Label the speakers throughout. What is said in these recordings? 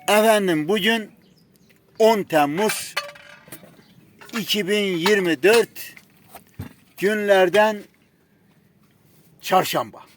Speaker 1: Efendim bugün 10 Temmuz 2024 günlerden çarşamba.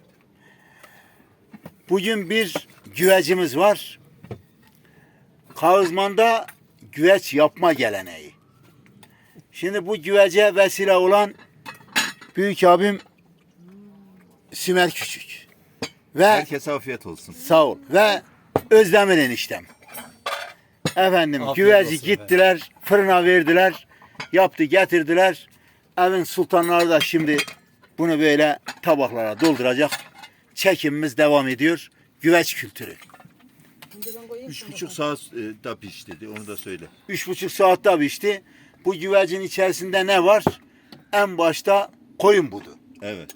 Speaker 1: Bugün bir güvecimiz var. Kağızman'da güveç yapma geleneği. Şimdi bu güvece vesile olan büyük abim Sümer Küçük. Ve
Speaker 2: Herkese afiyet olsun.
Speaker 1: sağ ol. Ve Özdemir eniştem. Efendim
Speaker 3: Afiyet
Speaker 1: güveci
Speaker 3: olsun
Speaker 1: gittiler, fırına verdiler, yaptı getirdiler. Evin sultanları da şimdi bunu böyle tabaklara dolduracak. Çekimimiz devam ediyor. Güveç kültürü.
Speaker 2: 3,5 saat da piş dedi, onu da söyle.
Speaker 1: 3,5 saatte pişti. Bu güvecin içerisinde ne var? En başta koyun budu.
Speaker 2: Evet.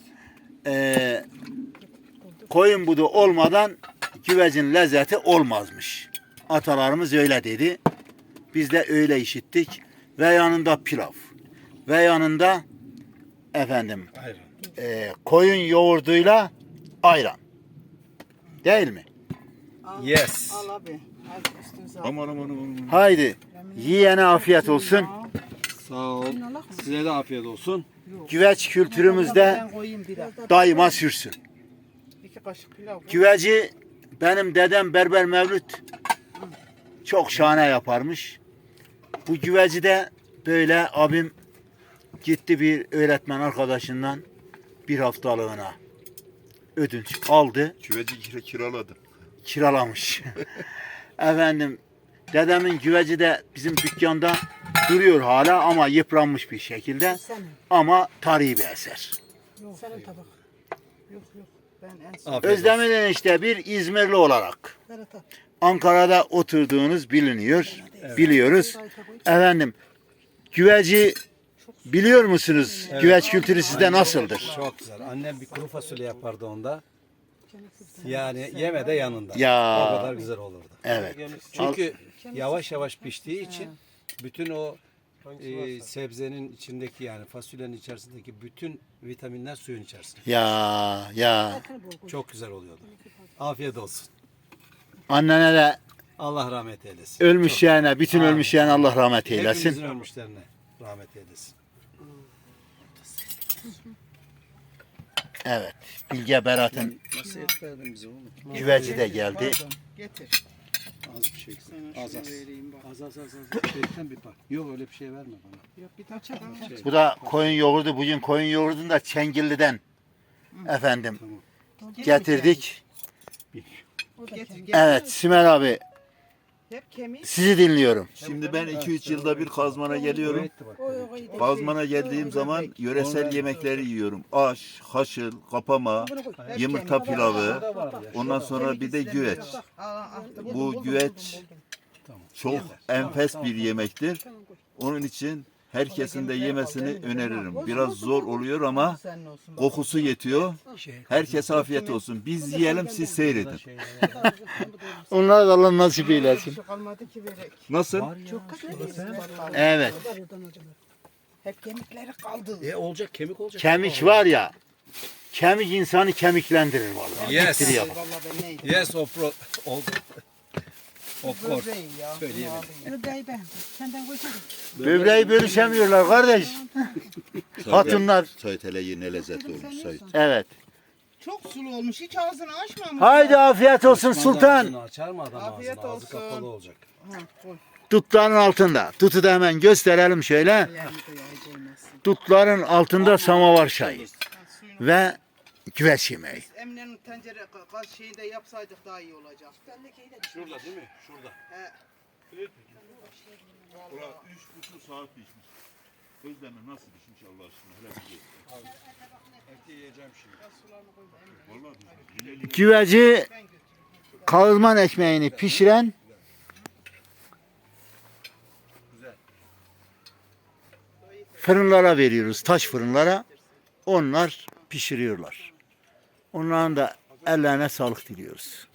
Speaker 1: Koyun budu olmadan güvecin lezzeti olmazmış. Atalarımız öyle dedi. Biz de öyle işittik. Ve yanında pilav. Ve yanında efendim koyun yoğurduyla ayran. Değil mi?
Speaker 3: Yes.
Speaker 4: Al abi. Al üstünüze al.
Speaker 2: Aman.
Speaker 1: Haydi yiyene afiyet olsun.
Speaker 3: Sağ ol. Size de afiyet olsun.
Speaker 1: Güveç kültürümüzde
Speaker 4: Ben koyayım biraz.
Speaker 1: daima sürsün.
Speaker 4: 2 kaşık pilav koy.
Speaker 1: Güveci benim dedem Berber Mevlüt çok şahane yaparmış. Bu güveci de böyle abim gitti bir öğretmen arkadaşından bir haftalığına ödünç aldı,
Speaker 2: Küveci kiraladı.
Speaker 1: kiralamış. Efendim dedemin güveci de bizim dükkanda duruyor hala ama yıpranmış bir şekilde.
Speaker 4: Senin.
Speaker 1: Ama tarihi bir eser.
Speaker 4: Yok. Senin tabak. Yok. Ben en son.
Speaker 3: Afiyet olsun.
Speaker 1: Özdemir enişte bir İzmirli olarak
Speaker 4: Berat al.
Speaker 1: Ankara'da oturduğunuz biliniyor, biliyoruz. Efendim, güveci biliyor musunuz? Güveç kültürü sizde nasıldır?
Speaker 3: Çok güzel. Annem bir kuru fasulye yapardı onda. Yani yeme de yanında.
Speaker 1: Ya.
Speaker 3: O kadar güzel olurdu.
Speaker 1: Evet.
Speaker 3: Çünkü yavaş yavaş piştiği için bütün o sebzenin içindeki yani fasulyenin içerisindeki bütün vitaminler suyun içerisinde.
Speaker 1: Ya.
Speaker 3: Çok güzel oluyordu. Afiyet olsun.
Speaker 1: Annene de
Speaker 3: Allah rahmet eylesin.
Speaker 1: ölmüş yani, bütün ölmüş yani Allah rahmet eylesin.
Speaker 3: Hepimizin ölmüşlerine rahmet eylesin.
Speaker 1: Evet. Bilge Berat'ın
Speaker 3: Nasıl et verdin bize oğlum?
Speaker 1: güveci de geldi.
Speaker 4: Pardon. Getir.
Speaker 3: Az bir şey.
Speaker 4: Sana
Speaker 3: Az
Speaker 4: şunu
Speaker 3: az.
Speaker 4: vereyim bak.
Speaker 3: Az. Bekten bir bak. Yok öyle bir şey verme bana.
Speaker 4: Yok bir daha çabuk.
Speaker 1: Bu da koyun yoğurdu. Bugün koyun yoğurdunu da Çengilli'den efendim getirdik.
Speaker 4: Getir.
Speaker 1: Evet Sümer abi
Speaker 4: Hep kemik.
Speaker 1: sizi dinliyorum.
Speaker 2: Şimdi ben 2-3 yılda bir Kazman'a geliyorum.
Speaker 4: Oy.
Speaker 2: Kazman'a geldiğim zaman yöresel yemekleri yiyorum. Aş, haşıl, kapama, yumurta pilavı, ondan sonra bir de güveç. Bu güveç çok enfes bir yemektir. Onun için herkesin de yemesini öneririm. Biraz zor oluyor ama
Speaker 4: Senin olsun.
Speaker 2: kokusu yetiyor. Herkese afiyet olsun. Biz yiyelim, siz seyredin.
Speaker 1: Onlar da Allah nasip eylesin.
Speaker 4: Şu kalmadı ki verek.
Speaker 2: Nasıl?
Speaker 4: Çok güzel.
Speaker 1: Evet.
Speaker 4: Hep kemikleri kaldı.
Speaker 3: Olacak kemik olacak.
Speaker 1: Kemik var ya, kemik insanı kemiklendirir vallahi.
Speaker 3: Yes.
Speaker 1: Bitiriyor.
Speaker 4: Vallahi ben neydim?
Speaker 3: Yes of course.
Speaker 4: Böbreği ya.
Speaker 3: Söyleyemedim.
Speaker 4: Böbreği ben. Senden koysana.
Speaker 1: Böbreği bölüşemiyorlar kardeş. Hatunlar.
Speaker 2: Sayit hele ne lezzet olmuş Sayit.
Speaker 1: Evet.
Speaker 4: Çok sulu olmuş. Hiç ağzını açmamış.
Speaker 1: Haydi afiyet olsun sultan.
Speaker 3: Ağzını açar mı adam
Speaker 4: Afiyet
Speaker 3: ağzını? Ağzı
Speaker 4: olsun.
Speaker 3: kapalı olacak.
Speaker 4: Ha, koy.
Speaker 1: Dutların altında. Tutu da hemen gösterelim şöyle.
Speaker 4: Yani de yağ koymazsın.
Speaker 1: Dutların altında samavar çayı
Speaker 4: Ha, suyunu.
Speaker 1: ve güveç yemeği.
Speaker 4: Emine'nin tencere gaz şeyi de yapsaydık daha iyi olacak.
Speaker 3: Şurada değil mi? Şurada.
Speaker 4: He.
Speaker 2: 3,5 saat pişmiş. Özlemi nasıl pişmiş Allah aşkına? Hele bir
Speaker 3: Eti yiyeceğim şimdi.
Speaker 2: Vallahi
Speaker 1: Güveci kağızman ekmeğini pişiren fırınlara veriyoruz. Taş fırınlara. Onlar pişiriyorlar. Onların da ellerine sağlık diliyoruz.